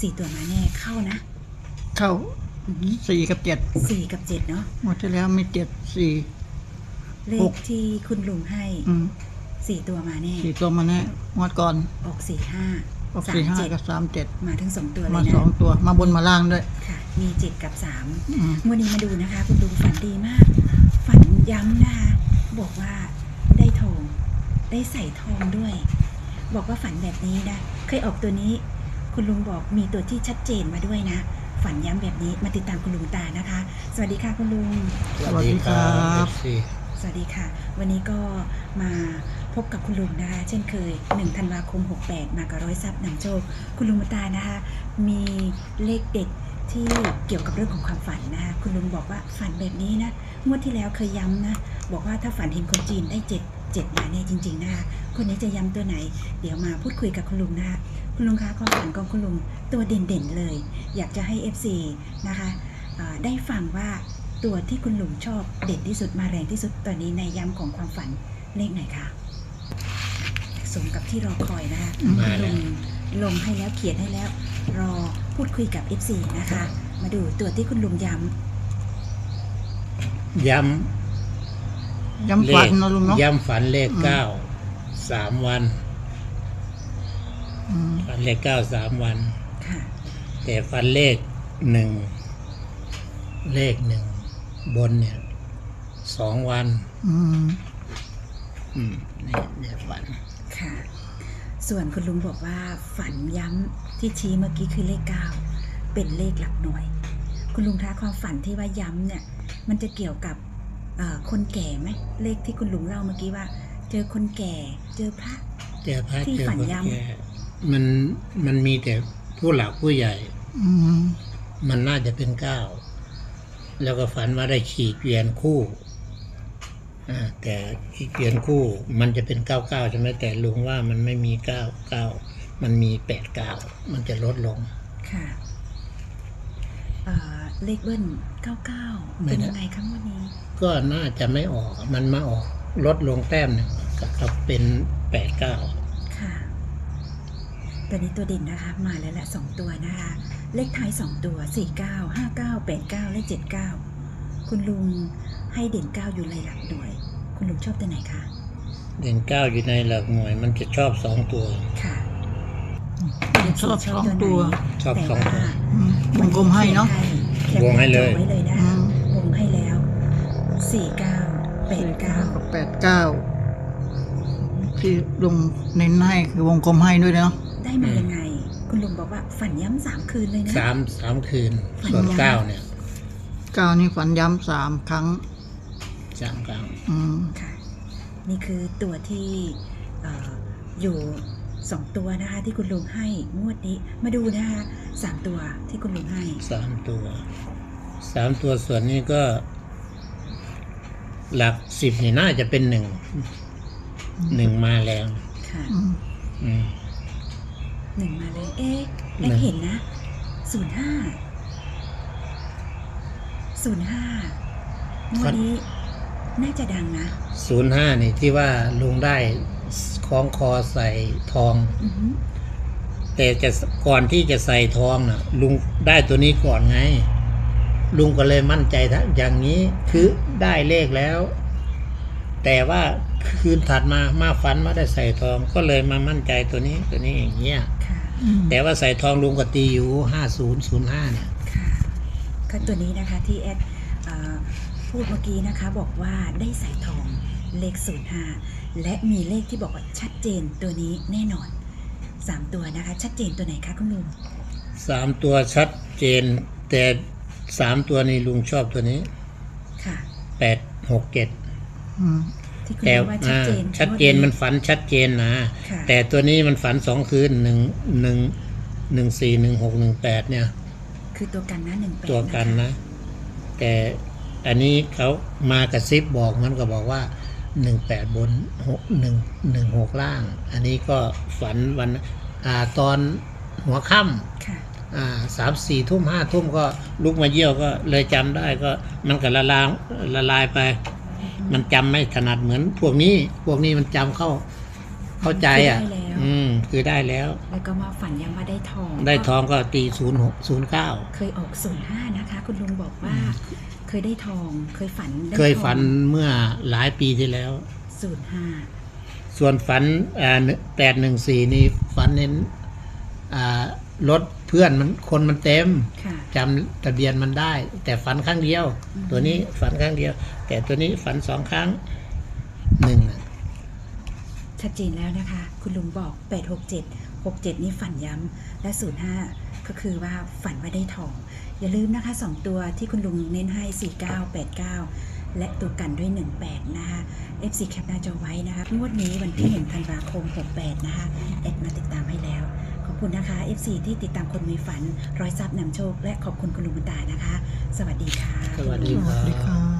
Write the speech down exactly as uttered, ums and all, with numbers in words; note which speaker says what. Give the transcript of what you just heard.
Speaker 1: สี่ตัวมาแน่เข้านะ
Speaker 2: เข้าสี่กับเจ็ด
Speaker 1: สี่กับเจ็ดเนาะ
Speaker 2: หมดที่แล้วมีเจ็ดสี่
Speaker 1: เลขที่คุณลุงให้สี่ตัวมาแน่
Speaker 2: สี่ตัวมาแน่งวดก่อน
Speaker 1: ออกสี่ห้า
Speaker 2: ออกสี่ห้ากับสามเจ็ด
Speaker 1: มาทั้งสองตัวเลยนะ
Speaker 2: มาสองตัวมาบนมาล่างด้วย
Speaker 1: ค่ะมีเจ็ดกับสามวันนี้มาดูนะคะคุณลุงฝันดีมากฝันย้ำนะคะบอกว่าได้ทองได้ใส่ทองด้วยบอกว่าฝันแบบนี้นะเคยออกตัวนี้คุณลุงบอกมีตัวที่ชัดเจนมาด้วยนะฝันย้ำแบบนี้มาติดตามคุณลุงตานะคะสวัสดีค่ะคุณลุง
Speaker 2: สวัสดีครับ
Speaker 1: สวัสดีค่ะวันนี้ก็มาพบกับคุณลุงนะคะเช่นเคยหนึ่งธันวาคมหกแปดมากับร้อยทรัพย์นำโชคคุณลุงตานะคะมีเลขเด็ดที่เกี่ยวกับเรื่องของความฝันนะคะคุณลุงบอกว่าฝันแบบนี้นะงวดที่แล้วเคยย้ำนะบอกว่าถ้าฝันเห็นคนจีนได้เจ็ดเจ็ดมาเนี่ยจริงๆนะคะคนนี้จะย้ำตัวไหนเดี๋ยวมาพูดคุยกับคุณลุงนะคะคุณลุงคะความฝันของคุณลุงตัวเด่นๆเลยอยากจะให้ เอฟ ซี นะคะได้ฟังว่าตัวที่คุณลุงชอบเด่นที่สุดมาแรงที่สุดตอนนี้ในย้ำของความฝันเลขไหนคะสมกับที่รอคอยนะคะคุณลุงลงให้แล้วเขียนให้แล้วรอพูดคุยกับ เอฟ ซี นะคะมาดูตัวที่คุณลุงย้
Speaker 3: ำย้ำ
Speaker 2: ย้ำฝันนะลุงเนาะ
Speaker 3: ย้ำฝันเลขเก้าสามวันฝันเลขเก้าสามวันแต่ฝันเลขหนึ่งเลขหนึ่งบนเนี่ยสองวันอืมอืมนี่เนี่ยฝัน
Speaker 1: ค่ะส่วนคุณลุงบอกว่าฝันย้ำที่ชี้เมื่อกี้คือเลขเก้าเป็นเลขหลักหน่วยคุณลุงคะความฝันที่ว่าย้ำเนี่ยมันจะเกี่ยวกับคนแก่ไหมเลขที่คุณลุงเล่าเมื่อกี้ว่าเจอคนแก่เจอพระ
Speaker 3: เจอพระที่ฝันย้ำมันมันมีแต่ผู้หลักผู้ใหญ่มันน่าจะเป็นเก้าแล้วก็ฝันว่าได้ขี่เกวียนคู่แต่ขี่เกวียนคู่มันจะเป็นเก้าเก้าใช่ไหมแต่ลุงว่ามันไม่มีเก้าเก้ามันมีแปดเก้ามันจะลดลง
Speaker 1: ค่ะเลขเบิ้ลเก้าเก้าเป็นยังไงครั้งวันนี้
Speaker 3: ก็น่าจะไม่ออกมันมาออกลดลงแต้มหนึ่งกับเป็นแปดเก้า
Speaker 1: ค่ะตัวนี้ตัวเด่นนะคะมาแล้วแหละสองตัวนะคะเลขท้ายสองตัวสี่เก้าห้าเก้าแปดเก้าและเจ็ดเก้าคุณลุงให้เด่นเก้าอยู่ในหลักหน่วยคุณลุงชอบตัวไหนคะ
Speaker 3: เด่นเก้าอยู่ในหลักหน่วยมันจะชอบสองตัว
Speaker 1: ค่ะ
Speaker 2: ชอบสองตัว
Speaker 3: ชอบสองตัว
Speaker 2: วงกลมให้เนาะ
Speaker 3: วงให้เลยว
Speaker 1: งให้แล้วสี่เก้าแปดเก้า
Speaker 2: แปดเก้าที่ลุงเน้นให้คือวงกลมให้ด้วยเนาะ
Speaker 1: ได้มายังไงคุณลุงบอกว่าฝันย้ำสามคืนเลยนะ
Speaker 3: สามสามคืนส่วนเก้าเนี่ย
Speaker 2: เก้านี่ฝันย้ำสามครั้ง
Speaker 3: สามครั้ง
Speaker 1: อืมค่ะนี่คือตัวที่อยู่สองตัวนะคะที่คุณลุงให้งวดนี้มาดูนะคะสามตัวที่คุณลุงให้
Speaker 3: สามตัวสามตัวส่วนนี้ก็หลักสิบนี่น่าจะเป็นหนึ่งหนึ่งมาแรง
Speaker 1: ค่ะหนึ่งมาเลยเอ๊ะแอเห็นนะศูนย์ห้าศูนย์ห้างวดนี้น่าจะดังนะ
Speaker 3: ศูนย์ห้านี่ที่ว่าลุงได้คล้องคอใส่ทองแต่จะก่อนที่จะใส่ทองน่ะลุงได้ตัวนี้ก่อนไงลุงก็เลยมั่นใจทั้งอย่างนี้คือได้เลขแล้วแต่ว่าคืนถัดมามาฝันว่าได้ใส่ทองก็เลยมามั่นใจตัวนี้ตัวนี้อย่างเงี้ยแต่ว่าใส่ทองลุงก็ตีอยู่ห้าศูนย์ศูนย์ห้าเนี่ย
Speaker 1: ค่ะก็ตัวนี้นะคะที่แอดพูดเมื่อกี้นะคะบอกว่าได้ใส่ทองเลขศูนย์ห้าและมีเลขที่บอกว่าชัดเจนตัวนี้แน่นอนสามตัวนะคะชัดเจนตัวไหนคะคุณลุง
Speaker 3: สามตัวชัดเจนแต่สามตัวนี้ลุงชอบตัวนี้
Speaker 1: ค่ะ
Speaker 3: แปดหกเจ็ด
Speaker 1: แต่ชัดเจน
Speaker 3: ชัดเจนมันฝันชัดเจนนะแต่ตัวนี้มันฝันสองคืนหนึ่งหนึ่งหนึ่งสี่หนึ่งหกหนึ่งแปดเนี่ย
Speaker 1: คือตัวกันนะหนึ่งแปด
Speaker 3: ตัวกันนะแต่อันนี้เขามากระซิบบอกมันก็บอกว่าหนึ่งแปดบนหกหนึ่งหนึ่งหกล่างอันนี้ก็ฝันวันอ่าตอนหัวค่ำ
Speaker 1: ค่ะ
Speaker 3: อ่าสามสี่ทุ่มห้าทุ่มก็ลุกมาเยี่ยวก็เลยจำได้ก็มันก็ละลายละลายไปมันจำไม่ถนัดเหมือนพวกนี้พวกนี้มันจำเข้าเข้าใจอ่ะอืมคือได้แล้ว
Speaker 1: แล้วก็มาฝันยังว่าได้ทอง
Speaker 3: ได้ทองก็ตีศูนย์หกศูนย์เก้า
Speaker 1: เคยออกศูนย์ห้านะคะ คุณลุงบอกว่า เคยได้ทอง เคยฝันได้
Speaker 3: เคยฝันเมื่อหลายปีที่แล้ว
Speaker 1: ศูนย์ห้า
Speaker 3: ส่วนฝันอ่าแปดหนึ่งสี่นี่ฝันเห็นอ่ารถเพื่อนมันคนมันเต็ม
Speaker 1: ค่ะ
Speaker 3: จำทะเบียนมันได้ แต่ฝันครั้งเดียว
Speaker 1: อืม
Speaker 3: ตัวนี้ฝันครั้งเดียว แต่ตัวนี้ฝันสองครั้งหนึ่งน่ะ
Speaker 1: ชัดเจนแล้วนะคะ คุณลุงบอกแปดหกเจ็ด หกเจ็ดนี่ฝันย้ำและศูนย์ห้าก็คือว่าฝันว่าได้ทอง อย่าลืมนะคะสองตัวที่คุณลุงเน้นให้สี่เก้า แปดเก้า และตัวกันด้วยหนึ่งแปดนะคะ เอฟ ซี แคปหน้าจอไว้นะคะงวดนี้วันที่หนึ่งธันวาคมหกแปดนะคะแอดมาติดตามให้แล้ว ขอบคุณนะคะ เอฟ ซี ที่ติดตามคนมีฝันร้อยทรัพย์นำโชค และขอบคุณคุณลุงบุญตานะคะ สวัสดีค่ะ
Speaker 3: สวัสดี
Speaker 2: สวัสดีครับ